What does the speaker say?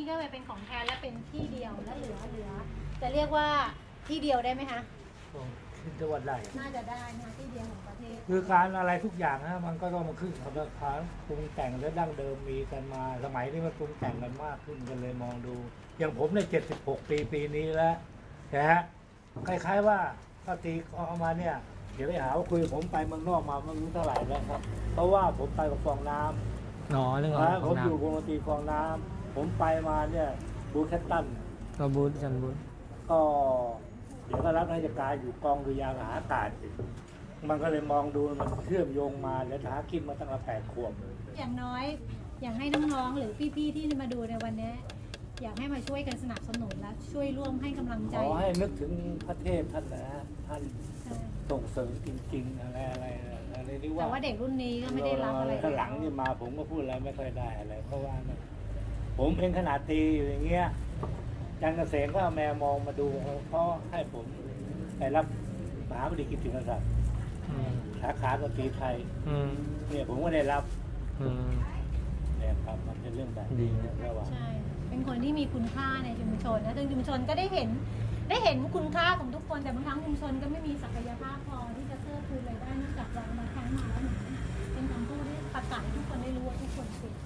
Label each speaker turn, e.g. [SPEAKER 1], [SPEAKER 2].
[SPEAKER 1] ก็ไปเป็นของแท้และเป็นที่เดียวและเหลือจะเรียกว่าที่เดียวได้ไหมคะ
[SPEAKER 2] ที่จังหวัดใด
[SPEAKER 1] น่าจะได้นะที่เดียวของประเทศ
[SPEAKER 2] คือการอะไรทุกอย่างนะมันก็ต้องมาขึ้นกับราคาปรุงแต่งและดั้งเดิมมีกันมาสมัยนี้มันปรุงแต่งกันมากขึ้นกันเลยมองดู อย่างผมเนี่ย76 ปีนี้แล้วนะฮะคล้ายๆว่าถ้าตีเอามาเนี่ยเดี๋ยวไปหาว่าคุยผมไปเมืองนอกมาไม่รู้เท่าไหร่แล้วครับเพราะว่าผมไปกับฟองน้ำ
[SPEAKER 3] อ๋อเรื่อง
[SPEAKER 2] นะผม
[SPEAKER 3] ของน้
[SPEAKER 2] อยู่วงดนตรีฟองน้ำผมไปมาเนี่ยบูแคตตัน
[SPEAKER 3] ำก็บูธจันบูธ
[SPEAKER 2] ก็เดี๋ยวก็รับราชการอยู่กองดุริยางค์ทหารอากาศอีกมันก็เลยมองดูมันเชื่อมโยงมาแล้วทหารกินมาตั้งแต่8 ขวบ
[SPEAKER 1] อย่างน้อยอยากให้น้องๆหรือพี่ๆที่มาดูในวันนี้อยากให้มาช่วยกันสนับสนุนและช่วยร่วมให้กำลังใจ
[SPEAKER 2] ขอให้นึกถึงพระเทพท่านนะท่าน
[SPEAKER 1] ใช่
[SPEAKER 2] ส่งเสริมจริงๆอะไรนี่ว่า
[SPEAKER 1] แต่ว่าเด็กรุ่นนี้ก็ไม่ได้รับอะไร
[SPEAKER 2] ข้างหลังนี่มาผมก็พูดอะไรไม่ค่อยได้อะไรเพราะว่าผมเองขนาดตีอยู่อย่างเงี้ยจันเกษมก็เอาแมวมองมาดูเพราะให้ผมไปรับมหาบดีกิตติมศักดิ์
[SPEAKER 3] อืม
[SPEAKER 2] สาขาดนตรีไทย
[SPEAKER 3] อืม
[SPEAKER 2] เนี่ยผมก็ได้รับ
[SPEAKER 3] อืม
[SPEAKER 2] เนี่ยครับมันเป็นเรื่องแบบ
[SPEAKER 3] ดี
[SPEAKER 2] ระหว่าง
[SPEAKER 1] ใช่เป็นคนที่มีคุณค่าในชุมชนนะซึ่งชุมชนก็ได้เห็นคุณค่าของทุกคนแต่บางครั้งชุมชนก็ไม่มีศักยภาพพอที่จะเพิ่มพูนรายได้นอกจากเรามาครั้งมาแล้วเหมือนเป็นคำพูดที่ประกาศให้ทุกคนได้รู้ว่าทุกคนเสีย